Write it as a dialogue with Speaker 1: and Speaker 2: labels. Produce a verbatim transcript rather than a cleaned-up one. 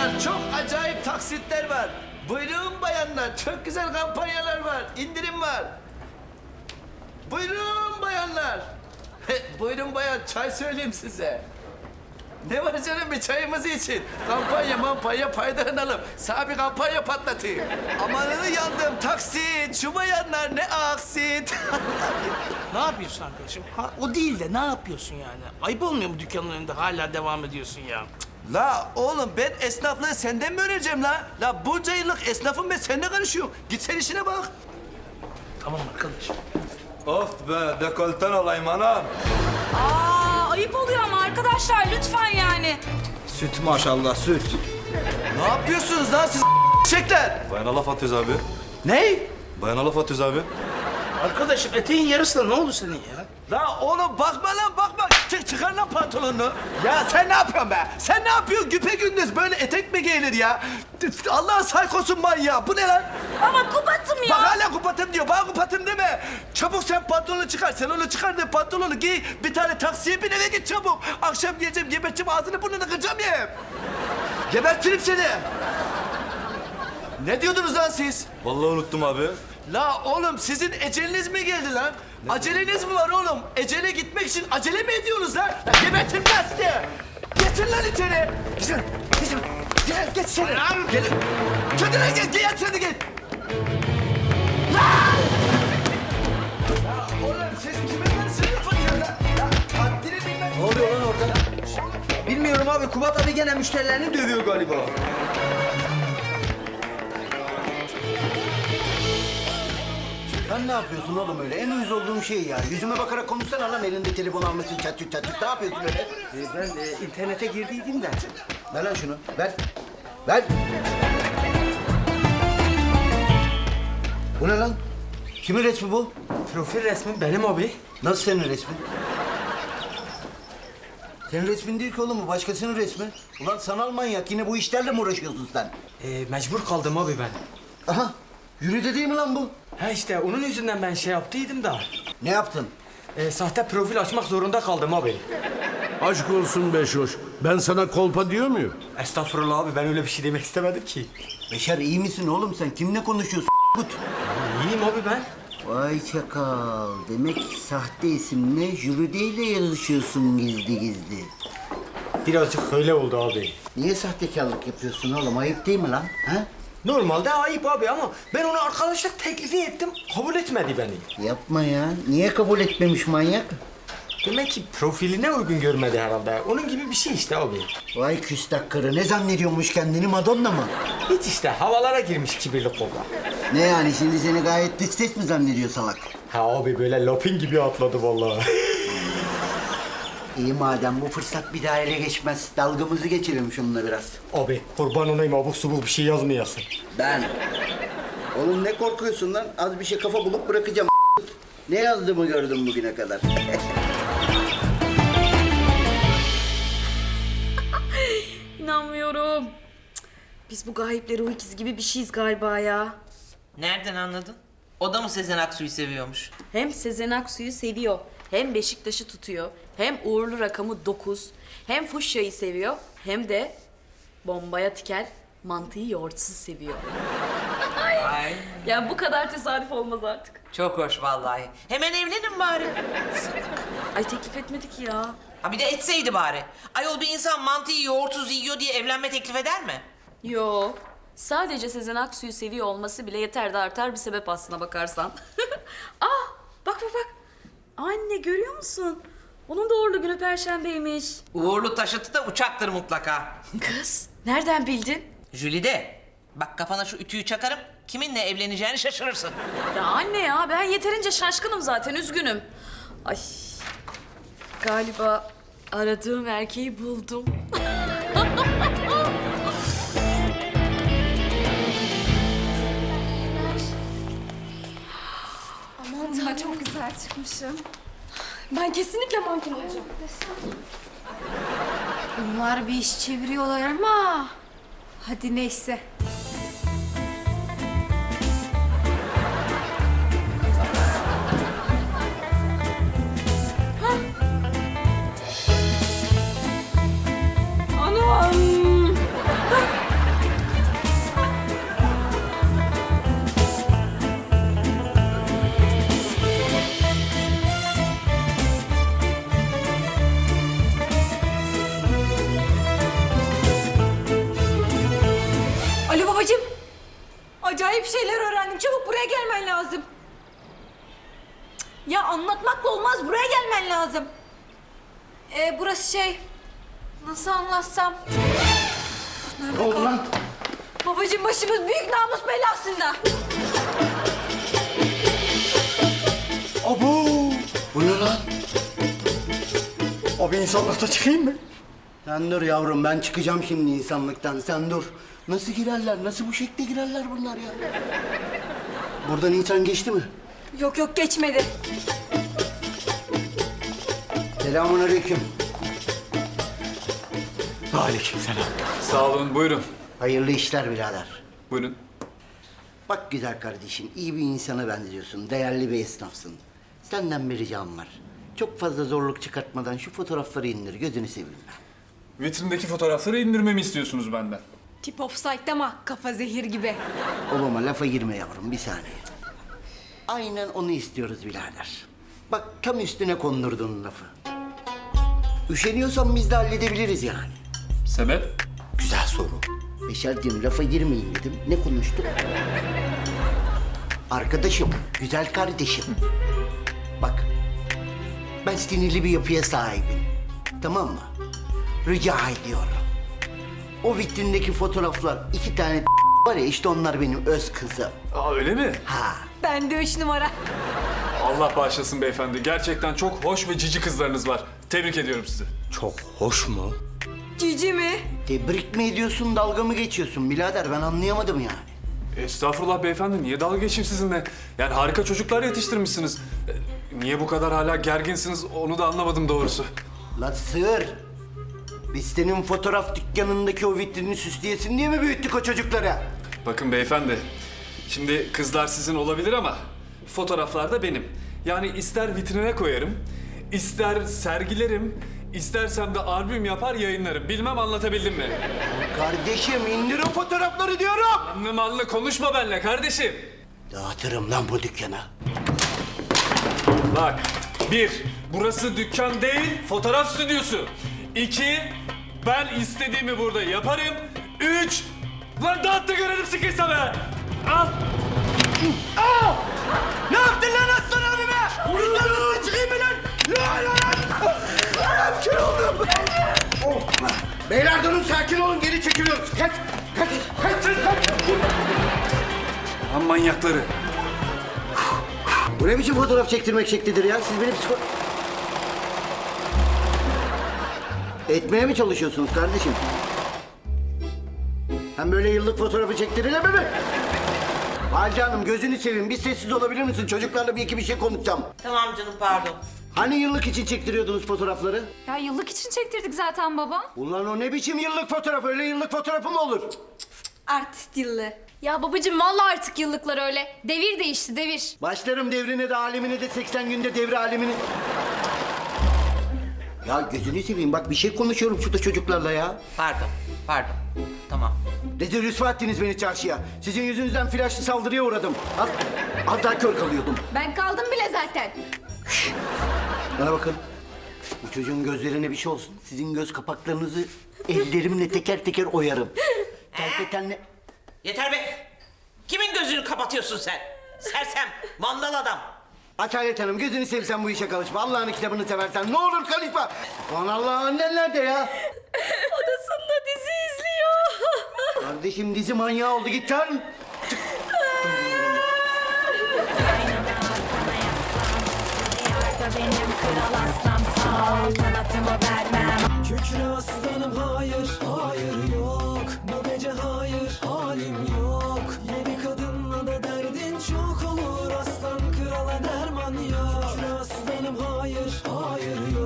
Speaker 1: bayanlar çok acayip taksitler var. Buyurun bayanlar çok güzel kampanyalar var. İndirim var. Buyurun bayanlar. Buyurun bayan çay söyleyeyim size. Ne var canım bir çayımız için. Kampanya mampanya faydalanalım. Sana bir kampanya patlatayım. Amanını yandım taksit. Şu bayanlar ne aksit.
Speaker 2: Ne yapıyorsun arkadaşım? Ha, o değil de ne yapıyorsun yani? Ayıp olmuyor mu dükkanın önünde hala devam ediyorsun ya?
Speaker 1: La oğlum ben esnaflığı senden mi öğreneceğim la? La bunca yıllık esnafım ben seninle karışıyorum. Git sen işine bak.
Speaker 2: Tamam arkadaşım.
Speaker 3: Of be, dekolten olayım anam.
Speaker 4: Aa, ayıp oluyor ama arkadaşlar lütfen yani.
Speaker 5: Süt maşallah süt.
Speaker 1: Ne yapıyorsunuz lan siz çekler?
Speaker 3: Bayana laf atıyoruz abi.
Speaker 1: Ne?
Speaker 3: Bayana laf atıyoruz abi.
Speaker 2: Arkadaşım eteğin yarısı da ne oldu senin ya?
Speaker 1: La oğlum bakma lan bakma. Çık çıkar lan pantolonunu. Ya sen ne yapıyorsun be? Sen ne yapıyorsun güpe gündüz böyle etek mi giyilir ya? Allah'ın saykosun manyağı. Bu ne lan?
Speaker 4: Ama kubatım ya.
Speaker 1: Bak hala kupatım diyor. Bana kupatım deme. Çabuk sen pantolonu çıkar. Sen onu çıkar da pantolonu giy. Bir tane taksiye bin eve git çabuk. Akşam geleceğim geberteceğim ağzını burnunu kıracağım ya. Gebertirim seni. Ne diyordunuz lan siz?
Speaker 3: Vallahi unuttum abi.
Speaker 1: La oğlum sizin eceliniz mi geldi lan? Aceleniz mi var oğlum? Ecele gitmek için acele mi ediyorsunuz lan? Gebertin lan sizi! Geçin lan içeri! Güzel, güzel. Gel, geç içeri. Gel. Kendine gel, gel sen gel. Lan! Ya oğlum siz kimin lan sınıf atıyorsunuz lan? Ya haddini bilmem.
Speaker 5: Ne oluyor lan orada? Bilmiyorum abi. Kubat abi gene müşterilerini dövüyor galiba. Sen ne yapıyorsun oğlum öyle? En uyuz olduğum şey ya. Yüzüme bakarak konuşsana lan elinde telefon almışsın çat çut çat çut. Ne yapıyorsun öyle?
Speaker 6: Ee, ben e, internete girdiydim de.
Speaker 5: Ver lan şunu. Ver. Ver. Bu ne lan? Kimin resmi bu?
Speaker 6: Profil resmi benim abi.
Speaker 5: Nasıl senin resmin? Senin resmin değil ki oğlum bu. Başkasının resmi. Ulan sanal manyak. Yine bu işlerle mi uğraşıyorsun sen?
Speaker 6: Ee, mecbur kaldım abi ben.
Speaker 5: Aha. Yürüdü değil mi lan bu?
Speaker 6: Ha işte onun yüzünden ben şey yaptıydım da.
Speaker 5: Ne yaptın?
Speaker 6: Ee, sahte profil açmak zorunda kaldım abi.
Speaker 7: Aşk olsun Beşoş. Ben sana kolpa diyor muyum?
Speaker 6: Estağfurullah abi ben öyle bir şey demek istemedim ki.
Speaker 5: Beşer iyi misin oğlum sen? Kimle konuşuyorsun? Gut.
Speaker 6: İyiyim abi ben.
Speaker 5: Vay çakal. Demek sahte isimle Jülide ile yazışıyorsun gizli gizli.
Speaker 6: Birazcık öyle oldu abi.
Speaker 5: Niye sahtekarlık yapıyorsun oğlum? Ayıp değil mi lan? Ha?
Speaker 6: Normalde ayıp abi ama ben ona arkadaşlık teklifi ettim. Kabul etmedi beni.
Speaker 5: Yapma ya. Niye kabul etmemiş manyak?
Speaker 6: Demek ki profiline uygun görmedi herhalde. Onun gibi bir şey işte abi.
Speaker 5: Vay küstah karı. Ne zannediyormuş kendini Madonna mı?
Speaker 6: Hiç işte havalara girmiş kibirli kobra.
Speaker 5: Ne yani şimdi seni gayet dış ses mi zannediyor salak?
Speaker 6: Ha abi böyle lapin gibi atladı vallahi.
Speaker 5: İyi madem bu fırsat bir daha ele geçmez. Dalgamızı geçirelim şununla biraz.
Speaker 6: Abi kurban olayım abuk subuk bir şey yazmayasın.
Speaker 5: Ben. Oğlum ne korkuyorsun lan? Az bir şey kafa bulup bırakacağım. Ne yazdığımı gördüm bugüne kadar.
Speaker 4: İnanmıyorum. Cık, Biz bu gayipleri o ikiz gibi bir şeyiz galiba ya.
Speaker 8: Nereden anladın? O da mı Sezen Aksu'yu seviyormuş?
Speaker 4: Hem Sezen Aksu'yu seviyor, hem Beşiktaş'ı tutuyor, hem uğurlu rakamı dokuz, hem fuşyayı seviyor, hem de bombaya tiker, mantıyı yoğurtsuz seviyor.
Speaker 8: Ay
Speaker 4: Yani bu kadar tesadüf olmaz artık.
Speaker 8: çok hoş vallahi. Hemen evlenin bari.
Speaker 4: Ay teklif etmedik ya.
Speaker 8: Ha bir de etseydi bari. Ayol bir insan mantıyı yoğurtsuz yiyor diye evlenme teklif eder mi?
Speaker 4: Yo. Sadece Sezen Aksu'yu seviyor olması bile yeter de artar bir sebep aslına bakarsan. Ah, bak bak bak. Anne görüyor musun? Onun da uğurlu günü Perşembeymiş.
Speaker 8: Uğurlu taşıtı da uçaktır mutlaka.
Speaker 4: Kız, nereden bildin?
Speaker 8: Jülide, bak kafana şu ütüyü çakarım. Kiminle evleneceğini şaşırırsın.
Speaker 4: Ya anne ya, ben yeterince şaşkınım zaten, üzgünüm. Ay, galiba aradığım erkeği buldum.
Speaker 9: Aman daha çok güzel çıkmışım. Ben kesinlikle manken olacağım. Bunlar bir iş çeviriyorlar ama... Hadi neyse. Anam! Babacığım. Acayip şeyler öğrendim. Çabuk buraya gelmen lazım. Ya anlatmakla olmaz. Buraya gelmen lazım. Ee, burası şey... Nasıl anlatsam?
Speaker 5: Ne oldu lan?
Speaker 9: Babacığım başımız büyük namus belasında.
Speaker 5: Abo! Bu ne lan? Abi insanlıkta çıkayım mı? Sen dur yavrum, ben çıkacağım şimdi insanlıktan. Sen dur. Nasıl girerler? Nasıl bu şekilde girerler bunlar ya? Buradan insan geçti mi?
Speaker 9: Yok yok geçmedi.
Speaker 5: Selamun aleyküm. Aleyküm selam.
Speaker 10: Sağ olun, buyurun.
Speaker 5: Hayırlı işler birader.
Speaker 10: Buyurun.
Speaker 5: Bak güzel kardeşim, iyi bir insana benziyorsun. Değerli bir esnafsın. Senden bir ricam var. Çok fazla zorluk çıkartmadan şu fotoğrafları indir. Gözünü seveyim ben.
Speaker 10: Vitrindeki fotoğrafları indirmemi istiyorsunuz benden.
Speaker 9: Tip offside ama kafa zehir gibi.
Speaker 5: Olama lafa girme yavrum, bir saniye. Aynen onu istiyoruz birader. Bak tam üstüne kondurdun lafı. Üşeniyorsan biz de halledebiliriz yani.
Speaker 10: Sebep?
Speaker 5: Güzel soru. Beşerciğim lafa girmeyin dedim. Ne konuştuk? Arkadaşım, güzel kardeşim. Bak, ben sinirli bir yapıya sahibim. Tamam mı? Rica ediyorum. O vitrindeki fotoğraflar iki tane var ya, işte onlar benim öz kızım.
Speaker 10: Aa öyle mi?
Speaker 5: Ha.
Speaker 9: Ben de üç numara.
Speaker 10: Allah bağışlasın beyefendi. Gerçekten çok hoş ve cici kızlarınız var. Tebrik ediyorum sizi.
Speaker 6: Çok hoş mu?
Speaker 9: Cici mi?
Speaker 5: Tebrik mi ediyorsun, dalga mı geçiyorsun birader? Ben anlayamadım yani.
Speaker 10: Estağfurullah beyefendi. Niye dalga geçeyim sizinle? Yani harika çocuklar yetiştirmişsiniz. E, Niye bu kadar hala gerginsiniz onu da anlamadım doğrusu.
Speaker 5: Lan sığır! Biz senin fotoğraf dükkanındaki o vitrini süsleyesin diye mi büyüttük o çocukları?
Speaker 10: Bakın beyefendi. Şimdi kızlar sizin olabilir ama fotoğraflar da benim. Yani ister vitrine koyarım, ister sergilerim, istersem de albüm yapar yayınlarım. Bilmem anlatabildim mi?
Speaker 5: Kardeşim indir o fotoğrafları diyorum!
Speaker 10: Anlı manlı konuşma benimle kardeşim.
Speaker 5: Dağıtırım lan bu dükkanı.
Speaker 10: Bak, bir, burası dükkan değil, fotoğraf stüdyosu. İki, ben istediğimi burada yaparım. Üç, lan dağıt da görelim sıkıysa be. Al.
Speaker 5: Aa! Ne yaptın lan aslan abime? Vurun! Çıkayım mı lan? Lan lan! Ayağım kör oldum! Oh! Beyler durun, sakin olun, geri çekiliyoruz. Kaç! Kaç! Kaç! Kaç!
Speaker 10: Lan manyakları.
Speaker 5: Bu ne biçim fotoğraf çektirmek şeklidir ya? Siz beni psiko... Etmeye mi çalışıyorsunuz kardeşim? Hem böyle yıllık fotoğrafı çektirilemez mi? Halide Hanım gözünü seveyim, bir sessiz olabilir misin? Çocuklarla bir iki bir şey konuşacağım.
Speaker 8: Tamam canım pardon.
Speaker 5: Hani yıllık için çektiriyordunuz fotoğrafları?
Speaker 9: Ya yıllık için çektirdik zaten baba.
Speaker 5: Ulan o ne biçim yıllık fotoğraf? Öyle yıllık fotoğrafı mı olur?
Speaker 9: Artist yıllı. Ya babacığım vallahi artık yıllıklar öyle. Devir değişti devir.
Speaker 5: Başlarım devrine de alemine de seksen günde devre alemini. Ya gözünü seveyim, bak bir şey konuşuyorum şurada çocuklarla ya.
Speaker 8: Pardon, pardon. Tamam.
Speaker 5: Rezil rüsva ettiniz beni çarşıya. Sizin yüzünüzden flaşlı saldırıya uğradım. Az, az daha kör kalıyordum.
Speaker 9: Ben kaldım bile zaten.
Speaker 5: Bana bakın. Bu çocuğun gözlerine bir şey olsun. Sizin göz kapaklarınızı ellerimle teker teker oyarım. Tenle tenle.
Speaker 8: Yeter be. Kimin gözünü kapatıyorsun sen? Sersem, mandal adam.
Speaker 5: Aç Hayret Hanım, gözünü sevsen bu işe karışma. Allah'ın kitabını seversen ne olur karışma. Aman Allah, annen nerede ya?
Speaker 4: Odasında dizi izliyor.
Speaker 5: Kardeşim dizi manyağı oldu, git lan. Çık.
Speaker 9: Benim kral aslan sağ ol, kanatımı vermem.
Speaker 6: Kükre aslanım hayır, hayır yok. Bu gece hayır, halim yok. Yedi kadınla da derdin çok olur. Aslan krala derman yok. Kükre aslanım hayır, hayır yok.